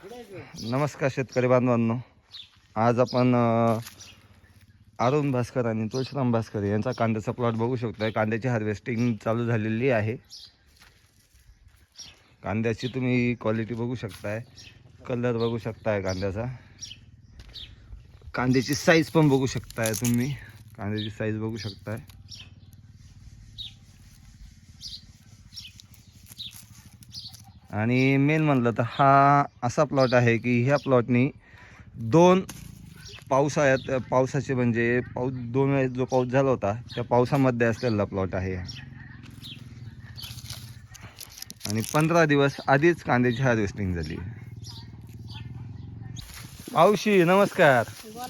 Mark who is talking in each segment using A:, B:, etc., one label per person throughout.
A: नमस्कार शेतकरी बांधवांनो, आज आपण अरुण भास्कर आणि तुळशीराम भास्कर यांचा कांद्याचा प्लॉट बघू शकताय. कांद्याची हार्वेस्टिंग चालू झालेली आहे. कांद्याची तुम्ही क्वालिटी बघू शकताय, कलर बघू शकताय कांद्याचा, कांद्याची साईज पण बघू शकताय तुम्ही, कांद्याची साईज बघू शकताय. आणि मेन म्हणलं तर हा असा प्लॉट आहे की ह्या प्लॉटनी दोन पावसाचे म्हणजे दोन वेळेस जो पाऊस झाला होता त्या पावसामध्ये असलेला प्लॉट आहे. आणि 15 दिवस आधीच कांद्याची हार्वेस्टिंग झाली. मावशी नमस्कार.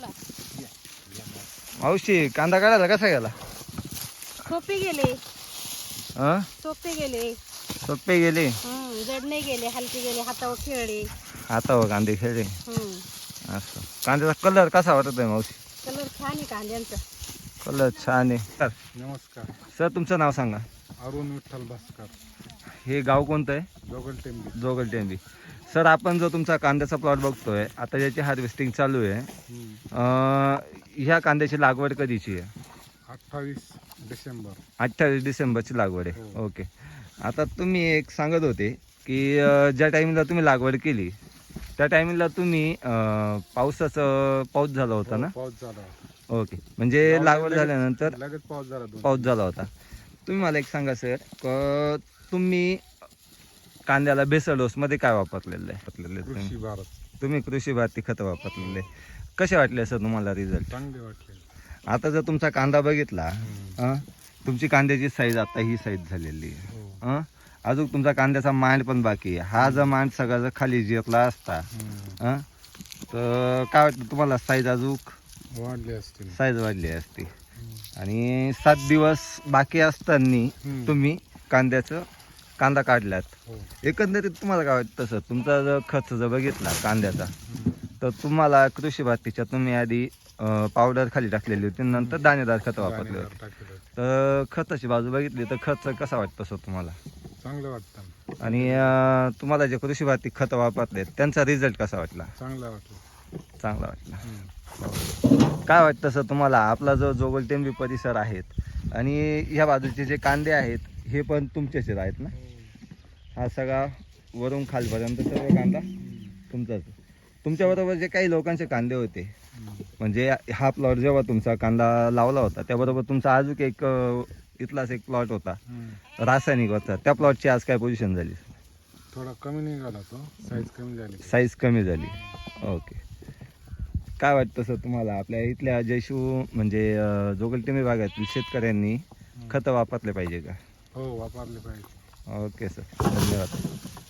A: मावशी, कांदा काढायला कसा गेला?
B: सोपे गेले.
A: सोपे गेले,
B: जड नाही गेले, हलके गेले, हातावर खेळले.
A: हातावर कांदे खेळले. असं कांद्याचा कलर कसा वाटत आहे मावशी?
B: कलर छान आहे कांद्यांचा.
A: कलर छान आहे. सर
C: नमस्कार.
A: सर तुमचं नाव सांगा.
C: अरुण विठ्ठल भास्कर.
A: हे गाव कोणतं आहे?
C: जोगलटेंबी.
A: जोगलटेंबी. सर आपण जो तुमचा कांद्याचा प्लॉट बघतोय आता, ज्याची हार्वेस्टिंग चालू आहे, ह्या कांद्याची लागवड कधीची आहे?
C: 28 डिसेंबर.
A: 28 डिसेंबरची लागवड आहे.
C: हो.
A: ओके. आता तुम्ही एक सांगत होते की ज्या टायमिंगला तुम्ही लागवड केली त्या टायमिंगला तुम्ही पाऊस झाला होता ना?
C: पाऊस झाला.
A: ओके. म्हणजे लागवड झाल्यानंतर
C: लगेच पाऊस झाला.
A: पाऊस झाला होता. तुम्ही मला एक सांगा सर, तुम्ही कांद्याला बेसल डोसमध्ये काय वापरलेलं आहे?
C: कृषी भारत.
A: तुम्ही कृषी भारती खतं वापरलेले. कसे वाटले सर तुम्हाला रिझल्ट?
C: चांगले वाटले.
A: आता जर तुमचा कांदा बघितला, तुमची कांद्याची साईज आता ही साईज झालेली आहे. अजून तुमचा कांद्याचा मांड पण बाकी आहे. हा जर मांड सगळा जर खाली जिरला असता तर काय वाटतं तुम्हाला? साईज अजून
C: वाढले असतील.
A: साईज वाढली असती. आणि 7 दिवस बाकी असताना तुम्ही कांदा काढलात. एकंदरीत तुम्हाला काय वाटतं सर? तुमचा जर खर्च जर बघितला कांद्याचा तर तुम्हाला कृषी भारतीच्या तुम्ही आधी पावडर खाली टाकलेली होती, नंतर दाणेदार खतं वापरले होते. तर खताची बाजू बघितली तर खर्च कसा वाटतो सर तुम्हाला?
C: चांगलं वाटतं.
A: आणि तुम्हाला जे कृषी भारती खतं वापरले त्यांचा रिझल्ट कसा वाटला?
C: चांगला वाटलं.
A: चांगला वाटला. काय वाटतं सर तुम्हाला? आपला जो जोगलटेंबी परिसर आहेत आणि ह्या बाजूचे जे कांदे आहेत हे पण तुमचेच आहेत ना? हा सगळा वरून खालपर्यंत सर्व कांदा तुमचाच. तुमच्याबरोबर जे काही लोकांचे कांदे होते, म्हणजे हा प्लॉट जेव्हा तुमचा कांदा लावला होता त्याबरोबर तुमचा अजून एक इथलाच एक प्लॉट होता रासायनिक होता, त्या प्लॉटची आज काय पोझिशन झाली?
C: थोडा कमी निघाला तो. साईज कमी झाली.
A: साईज कमी झाली. ओके. काय वाटतं सर तुम्हाला? आपल्या इथल्या जयशू म्हणजे जोगलटेंबी भागातील शेतकऱ्यांनी खतं वापरले पाहिजे का?
C: हो, वापरले पाहिजे.
A: ओके सर, धन्यवाद.